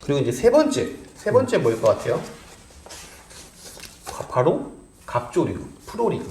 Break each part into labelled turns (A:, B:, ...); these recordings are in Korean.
A: 그리고 이제 세 번째 뭐일 것 같아요? 바로 갑조리그, 프로리그.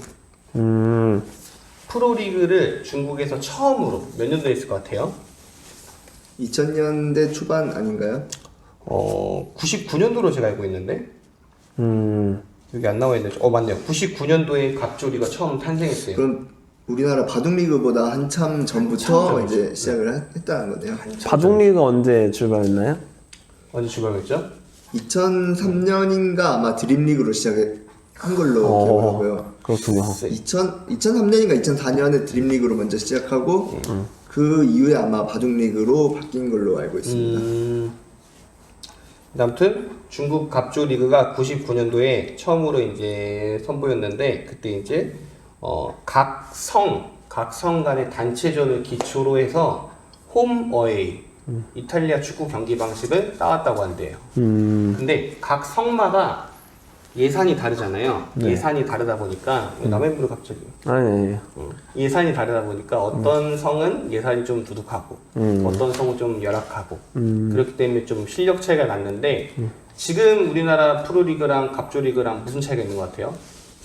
A: 프로리그를 중국에서 처음으로 몇 년도에 했을 것 같아요?
B: 2000년대 초반 아닌가요?
A: 99년도로 제가 알고 있는데 여기 안 나와 있는데 맞네요. 99년도에 갑조리가 처음 탄생했어요.
B: 그럼 우리나라 바둑리그보다 한참 전부터
A: 한참
B: 이제 시작을 했다는 거네요.
C: 바둑리그가 언제 출발했나요?
A: 언제 출발했죠?
B: 2003년인가 아마 드림리그로 시작한 걸로 기억하고요.
C: 그렇군요.
B: 2003년인가 2004년에 드림리그로 먼저 시작하고 그 이후에 아마 바둑리그로 바뀐 걸로 알고 있습니다.
A: 아무튼 중국 갑조 리그가 99년도에 처음으로 이제 선보였는데 그때 이제 각 성 간의 단체전을 기초로 해서 홈 어웨이 이탈리아 축구 경기 방식을 따왔다고 한대요. 근데 각 성마다 예산이 다르잖아요.
C: 네.
A: 예산이 다르다 보니까 남의 물을 갑자기
C: 아니.
A: 예산이 다르다 보니까 어떤 성은 예산이 좀 두둑하고 어떤 성은 좀 열악하고 그렇기 때문에 좀 실력 차이가 났는데 지금 우리나라 프로리그랑 갑조리그랑 무슨 차이가 있는 것 같아요?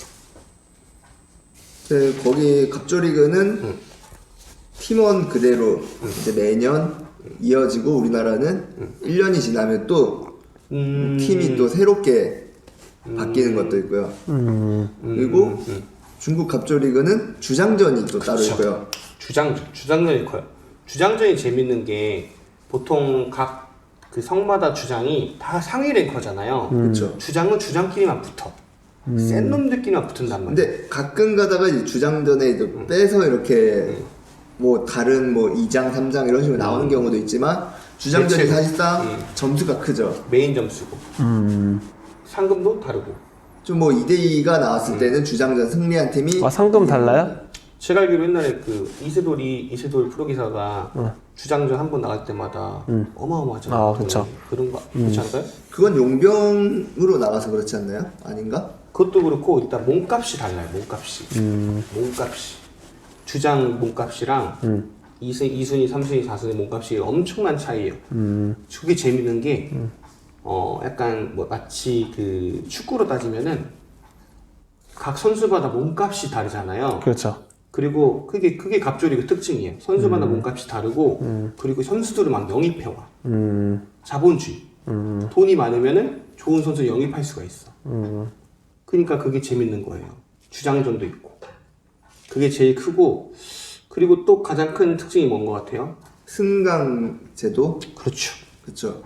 B: 네, 거기 갑조리그는 팀원 그대로 이제 매년 이어지고 우리나라는 1년이 지나면 또 팀이 또 새롭게 바뀌는 것도 있고요. 그리고 중국 갑조리그는 주장전이 또 따로 있고요.
A: 주장전이 커요. 주장전이 재밌는 게 보통 각 그 성마다 주장이 다 상위 랭커잖아요.
B: 그렇죠.
A: 주장은 주장끼리만 붙어. 센 놈들끼리만 붙은단 말이야.
B: 근데 가끔 가다가 이제 주장전에 이제 빼서 이렇게 뭐 다른 뭐 2장, 3장 이런 식으로 나오는 경우도 있지만 주장전이
A: 대체,
B: 사실상 점수가 크죠.
A: 메인 점수고 상금도 다르고.
B: 좀 뭐 2대2가 나왔을 때는 주장전 승리한 팀이
C: 상금 달라요?
A: 제가 알기로 옛날에 그 이세돌 프로기사가 주장전 한 번 나갈 때마다 어마어마하잖아요.
C: 그쵸.
A: 그런 거 그렇지 않을까요?
B: 그건 용병으로 나가서 그렇지 않나요? 아닌가?
A: 그것도 그렇고 일단 몸값이 달라요. 몸값이 주장 몸값이랑 2순위, 3순위, 4순위 몸값이 엄청난 차이예요. 그게 재밌는 게 약간 뭐 마치 그 축구로 따지면은 각 선수마다 몸값이 다르잖아요.
C: 그렇죠.
A: 그리고 그게 갑조리그 특징이에요. 선수마다 몸값이 다르고 그리고 선수들을 막 영입해와. 자본주의. 돈이 많으면은 좋은 선수 영입할 수가 있어. 그러니까 그게 재밌는 거예요. 주장전도 있고. 그게 제일 크고 그리고 또 가장 큰 특징이 뭔 것 같아요?
B: 승강 제도?
A: 그렇죠.
B: 그렇죠.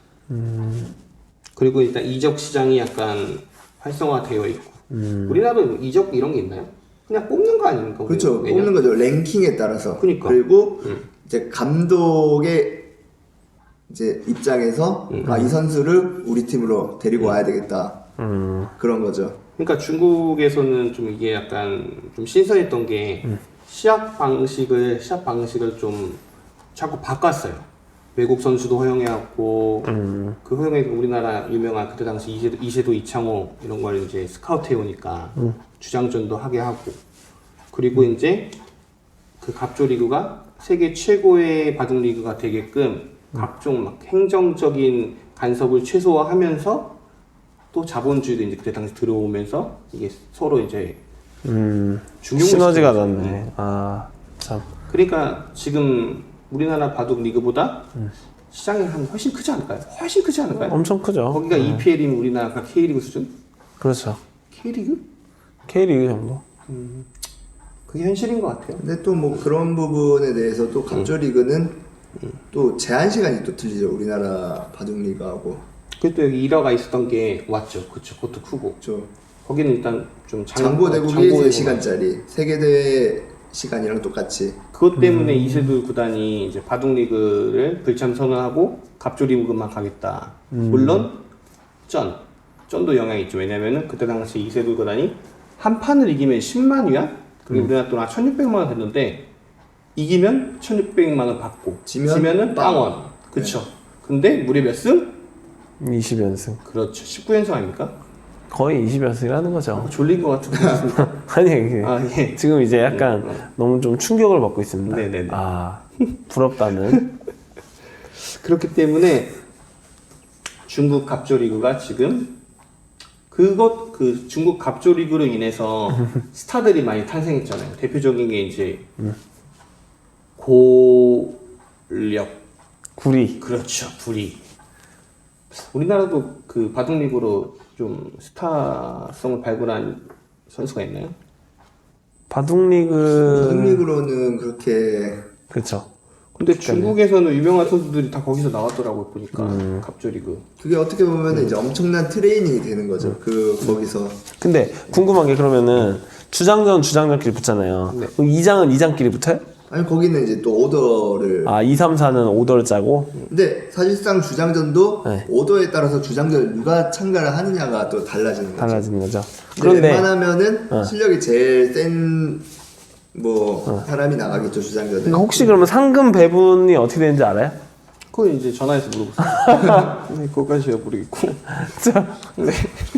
A: 그리고 일단 이적 시장이 약간 활성화되어 있고. 우리나라도 이적 이런 게 있나요? 그냥 뽑는 거 아닙니까?
B: 그렇죠.
A: 매년?
B: 뽑는 거죠. 랭킹에 따라서.
A: 그러니까.
B: 그리고 이제 감독의 이제 입장에서 이 선수를 우리 팀으로 데리고 와야 되겠다. 그런 거죠.
A: 그러니까 중국에서는 좀 이게 약간 좀 신선했던 게 시합 방식을 좀 자꾸 바꿨어요. 외국 선수도 허용해왔고 그 허용해 우리나라 유명한 그때 당시 이세도 이창호 이런 걸 이제 스카우트 해오니까 주장전도 하게 하고 그리고 이제 그 갑조 리그가 세계 최고의 바둑 리그가 되게끔 각종 막 행정적인 간섭을 최소화하면서 또 자본주의도 이제 그때 당시 들어오면서 이게 서로 이제
C: 시너지가 났네. 참.
A: 그러니까 지금 우리나라 바둑 리그보다 시장이 훨씬 크지 않을까요? 훨씬 크지 않을까요?
C: 엄청 크죠.
A: 거기가 EPL이면 우리나라가 K리그 수준?
C: 그렇죠.
A: K리그?
C: K리그 정도.
A: 그게 현실인 것 같아요.
B: 근데 또 뭐 그런 부분에 대해서 또 갑조리그는 또 제한 시간이 또 틀리죠. 우리나라 바둑리그하고.
A: 그때 여기 1화가 있었던 게 왔죠. 그쵸. 그것도 크고.
B: 그렇죠.
A: 거기는 일단 좀
B: 장고대국이 3시간짜리 세계대회 시간이랑 똑같이.
A: 그것 때문에 이세돌 구단이 이제 바둑리그를 불참 선언하고 갑조리그만 가겠다. 물론 쩐도 영향이 있죠. 왜냐면은 그때 당시 이세돌 구단이 한 판을 이기면 10만 위안? 그게 우리나라 돈 한 1,600만 원 됐는데 이기면 1,600만 원 받고 지면은 빵원. 그쵸. 근데 무려 몇 승?
C: 20연승.
A: 그렇죠. 19연승 아닙니까?
C: 거의 20연승이라는 거죠.
A: 졸린 것 같은데.
C: 아니, 이게
A: 예.
C: 지금 이제 약간 너무 좀 충격을 받고 있습니다.
A: 네네네.
C: 부럽다는.
A: 그렇기 때문에 중국 갑조리그가 지금 그 중국 갑조리그로 인해서 스타들이 많이 탄생했잖아요. 대표적인 게 이제 고력
C: 구리.
A: 그렇죠. 불이. 우리나라도 그 바둑리그로 좀 스타성을 발굴한 선수가 있나요?
C: 바둑리그.
B: 바둑리그로는 그렇게
C: 그렇죠.
A: 근데 중국에서는 유명한 선수들이 다 거기서 나왔더라고요, 보니까. 갑조리그.
B: 그게 어떻게 보면 이제 엄청난 트레이닝이 되는 거죠. 거기서.
C: 근데 궁금한 게 그러면은 주장전끼리 붙잖아요.
A: 네.
C: 그럼 2장은 2장끼리 붙어요?
B: 아니 거기는 이제 또 오더를.
C: 아, 2, 3, 4는 오더를 짜고.
B: 근데 사실상 주장전도
C: 네.
B: 오더에 따라서 주장전을 누가 참가를 하느냐가 또 달라지는 거죠.
C: 달라지는 거죠.
B: 근데
C: 그런데
B: 웬만하면은 실력이 제일 센 사람이 나가겠죠 주장전은.
C: 그러니까 혹시 그러면 상금 배분이 어떻게 되는지 알아요?
A: 그건 이제 전화해서 물어보세요. 네, 그거까지 제가 모르겠고. 네.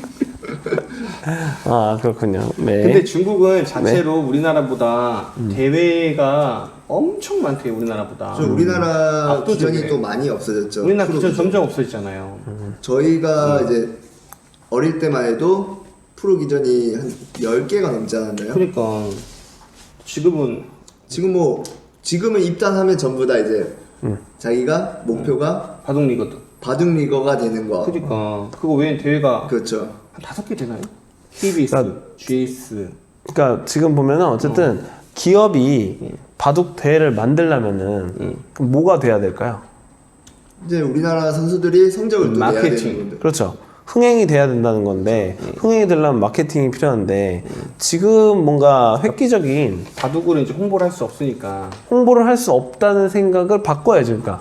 C: 아, 그렇군요. 네.
A: 근데 중국은 자체로 우리나라보다 대회가 엄청 많대요, 우리나라보다.
B: 우리나라
A: 압도적이네.
B: 기전이 또 많이 없어졌죠.
A: 우리나라
B: 프로
A: 기존
B: 기전.
A: 점점 없어졌잖아요.
B: 저희가 이제 어릴 때만 해도 프로 기전이 한 10개가 넘지 않았나요?
A: 그러니까 지금은
B: 지금은 입단하면 전부 다 이제 자기가 목표가
A: 바둑리거든.
B: 바둑리거가 되는 거.
A: 그러니까 그거 외엔 대회가
B: 그렇죠.
A: 한 5개 되나요? KBS, GS.
C: 그러니까 지금 보면은 어쨌든 기업이 바둑 대회를 만들려면은 그럼 뭐가 돼야 될까요?
B: 이제 우리나라 선수들이 성적을 또 내야
A: 마케팅.
B: 되는 건데.
C: 그렇죠. 흥행이 돼야 된다는 건데 흥행이 되려면 마케팅이 필요한데 지금 뭔가 획기적인
A: 바둑으로 이제 홍보를 할 수 없으니까
C: 홍보를 할 수 없다는 생각을 바꿔야죠. 그러니까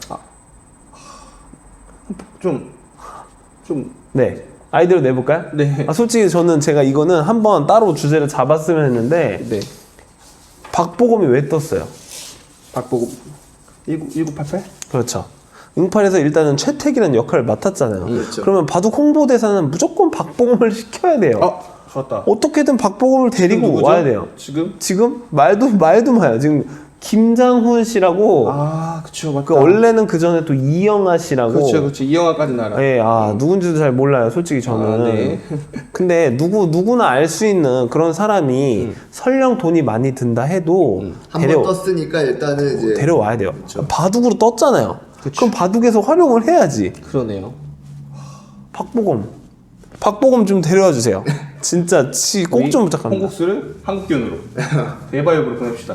A: 좀
C: 네. 아이디어를 내볼까요?
A: 네.
C: 솔직히 제가 이거는 한번 따로 주제를 잡았으면 했는데
A: 네.
C: 박보검이 왜 떴어요?
A: 박보고 1988?
C: 그렇죠. 응팔에서 일단은 최택이라는 역할을 맡았잖아요.
B: 그렇죠.
C: 그러면 바둑 홍보대사는 무조건 박보검을 시켜야 돼요.
A: 좋았다.
C: 어떻게든 박보검을 데리고
A: 누구죠?
C: 와야 돼요. 지금 말도 마요. 지금 김장훈 씨라고
A: 그쵸, 맞다.
C: 원래는 그 전에 또 이영하 씨라고.
A: 그렇죠. 이영화까지 알아.
C: 예, 누군지도 잘 몰라요. 솔직히 저는.
A: 네.
C: 근데 누구나 알 수 있는 그런 사람이 설령 돈이 많이 든다 해도
B: 한 번 떴으니까 일단은 이제
C: 데려와야 돼요.
B: 그렇죠.
C: 바둑으로 떴잖아요.
A: 그쵸.
C: 그럼 바둑에서 활용을 해야지.
A: 그러네요.
C: 박보검 좀 데려와 주세요. 진짜 꼭 좀 부탁합니다.
A: 홍국수를 한국견으로 대바이브로 보냅시다.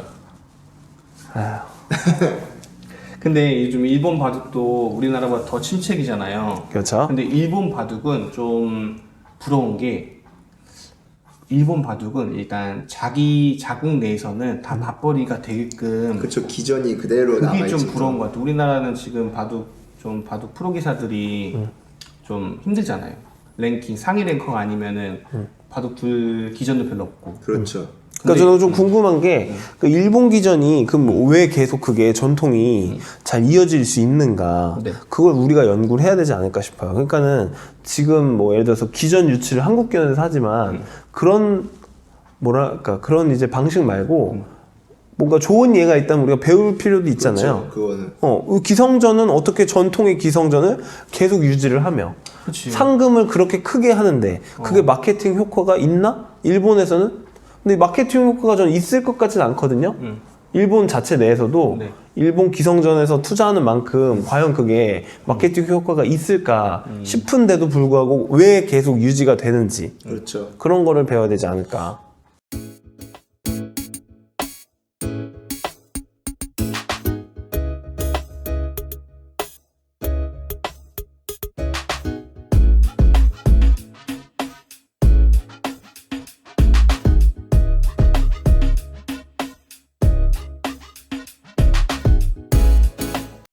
A: 근데 요즘 일본 바둑도 우리나라보다 더 침체기잖아요.
C: 그렇죠.
A: 근데 일본 바둑은 좀 부러운 게 일본 바둑은 일단 자기 자국 내에서는 다 맞벌이가 되게끔
B: 그쵸 기전이 그대로
A: 그게
B: 남아있죠.
A: 좀 부러운 것 같아요. 우리나라는 지금 바둑 프로 기사들이 좀 힘들잖아요. 랭킹 상위 랭커가 아니면은 바둑 기전도 별로 없고.
B: 그렇죠.
C: 그러니까 저는 좀 궁금한 게 그 일본 기전이 그럼 왜 계속 그게 전통이 잘 이어질 수 있는가?
A: 네.
C: 그걸 우리가 연구를 해야 되지 않을까 싶어요. 그러니까는 지금 예를 들어서 기전 유치를 한국견에서 하지만 그런 그런 이제 방식 말고 뭔가 좋은 예가 있다면 우리가 배울 필요도 있잖아요.
B: 그렇죠. 그거는
C: 기성전은 어떻게 전통의 기성전을 계속 유지를 하며
A: 그치.
C: 상금을 그렇게 크게 하는데 그게 마케팅 효과가 있나? 일본에서는? 근데 마케팅 효과가 저는 있을 것 같지는 않거든요. 일본 자체 내에서도
A: 네.
C: 일본 기성전에서 투자하는 만큼 과연 그게 마케팅 효과가 있을까 싶은데도 불구하고 왜 계속 유지가 되는지
B: 그렇죠.
C: 그런 거를 배워야 되지 않을까.